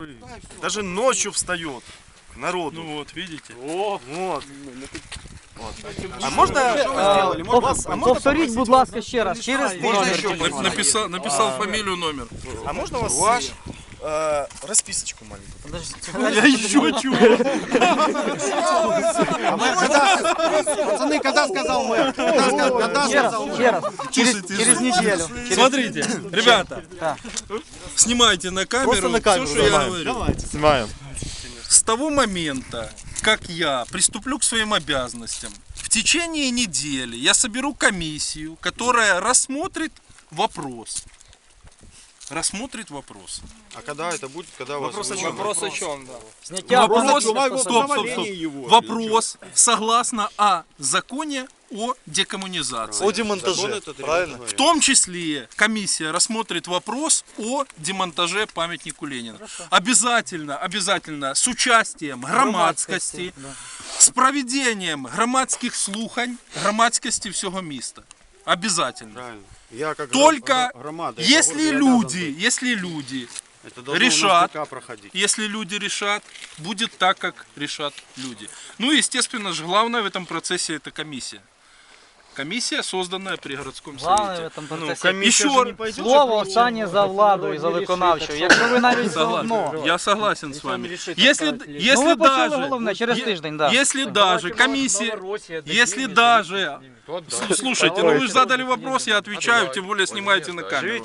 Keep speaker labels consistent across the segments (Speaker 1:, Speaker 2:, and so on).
Speaker 1: Даже ночью встает к народу.
Speaker 2: Ну вот, видите?
Speaker 1: Вот. А можно
Speaker 3: Повторіть, будь ласка, ще раз. Через тиждень.
Speaker 2: Написал фамилию, номер.
Speaker 1: А можно у вас расписочку маленькую?
Speaker 2: Я еще чего?
Speaker 4: Пацаны, когда сказал мэр? Когда сказал мэр?
Speaker 3: Ще раз. Через неделю.
Speaker 2: Смотрите, ребята, снимайте на камеру все, что я говорю.
Speaker 1: Снимаем.
Speaker 2: С того момента, как я приступлю к своим обязанностям, в течение недели я соберу комиссию, которая рассмотрит вопрос.
Speaker 4: А когда это будет? Когда у вас...
Speaker 5: Вопрос о чем, да?
Speaker 3: Зняття
Speaker 2: Стоп. Вопрос согласно о законе о декоммунизации.
Speaker 1: О демонтаже, правильно?
Speaker 2: В том числе комиссия рассмотрит вопрос о демонтаже памятнику Ленина. Обязательно с участием громадскости, з проведением громадських слухань, громадськості всього міста. Обязательно.
Speaker 4: Правильно. Я как
Speaker 2: Только
Speaker 4: громада,
Speaker 2: если люди
Speaker 4: это должно
Speaker 2: решат,
Speaker 4: у нас ДК проходить.
Speaker 2: если люди решат, будет так, как решат люди. Ну и, естественно же, главное в этом процессе это комиссия. Комиссия, созданная при городском
Speaker 3: Главное в
Speaker 2: совете.
Speaker 3: этом процесі.
Speaker 2: Еще
Speaker 3: Слово останнє за владою і за виконавчою. Якщо ви навіть заодно.
Speaker 2: я согласен с вами.
Speaker 3: Ну
Speaker 2: Если
Speaker 3: ви почули
Speaker 2: даже,
Speaker 3: головне, через тиждень, да.
Speaker 2: если даже комиссия, если даже, слушайте, ну вы же задали вопрос, я отвечаю, тем более снимаете на камеру.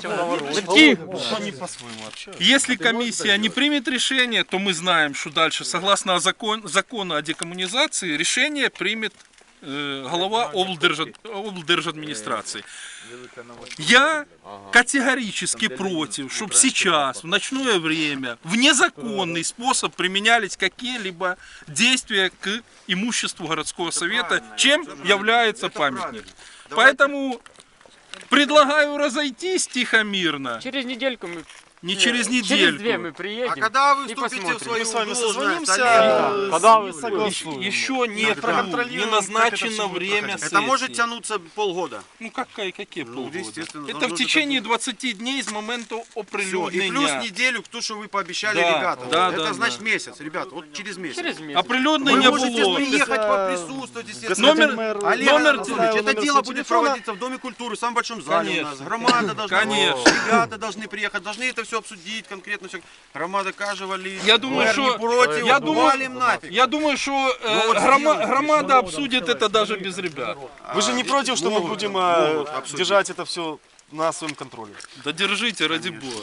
Speaker 2: Если комиссия не примет решение, то мы знаем, что дальше, согласно закону о декоммунизации, решение примет глава облдержадминистрации. Я категорически против, чтобы сейчас, в ночное время, в незаконный способ применялись какие-либо действия к имуществу городского совета, чем является памятник. Поэтому предлагаю разойтись тихо-мирно.
Speaker 5: Через недельку мы...
Speaker 2: Не через
Speaker 5: Через
Speaker 2: недельку.
Speaker 5: 2 мы приедем.
Speaker 4: А когда вы
Speaker 5: и
Speaker 4: вступите в
Speaker 5: посмотрим.
Speaker 4: свою
Speaker 1: Мы с вами
Speaker 4: должность,
Speaker 1: созвонимся.
Speaker 4: Олег?
Speaker 1: Когда вы согласуем.
Speaker 2: Еще нет, не назначено время сессии.
Speaker 4: Это может тянуться полгода.
Speaker 2: Ну какие полгода?
Speaker 4: естественно,
Speaker 2: Это
Speaker 4: должно
Speaker 2: в
Speaker 4: же
Speaker 2: течение 20 дней с момента
Speaker 4: Все. И
Speaker 2: оприлюднения.
Speaker 4: плюс неделю, то, что вы пообещали
Speaker 2: Да,
Speaker 4: ребята.
Speaker 2: да,
Speaker 4: Это
Speaker 2: да,
Speaker 4: значит
Speaker 2: да.
Speaker 4: месяц, ребят, вот через месяц.
Speaker 5: Через месяц.
Speaker 2: Оприлюднення
Speaker 4: Вы можете
Speaker 2: було.
Speaker 4: приехать, поприсутствовать, естественно.
Speaker 2: Номер
Speaker 4: Анатольевич, это
Speaker 1: номер
Speaker 4: дело
Speaker 1: телефона.
Speaker 4: будет проводиться в Доме культуры, в самом большом зале у нас. Громада должна,
Speaker 2: Конечно.
Speaker 4: ребята должны приехать, должны это все обсудить конкретно. Все. Громада кажевали.
Speaker 2: Я думаю, что
Speaker 4: валим нафиг.
Speaker 2: я думаю, что
Speaker 4: вот
Speaker 2: громада обсудит это даже без ребят.
Speaker 1: Вы же не против, что мы будем держать это все на своем контроле?
Speaker 2: Да держите, ради бога.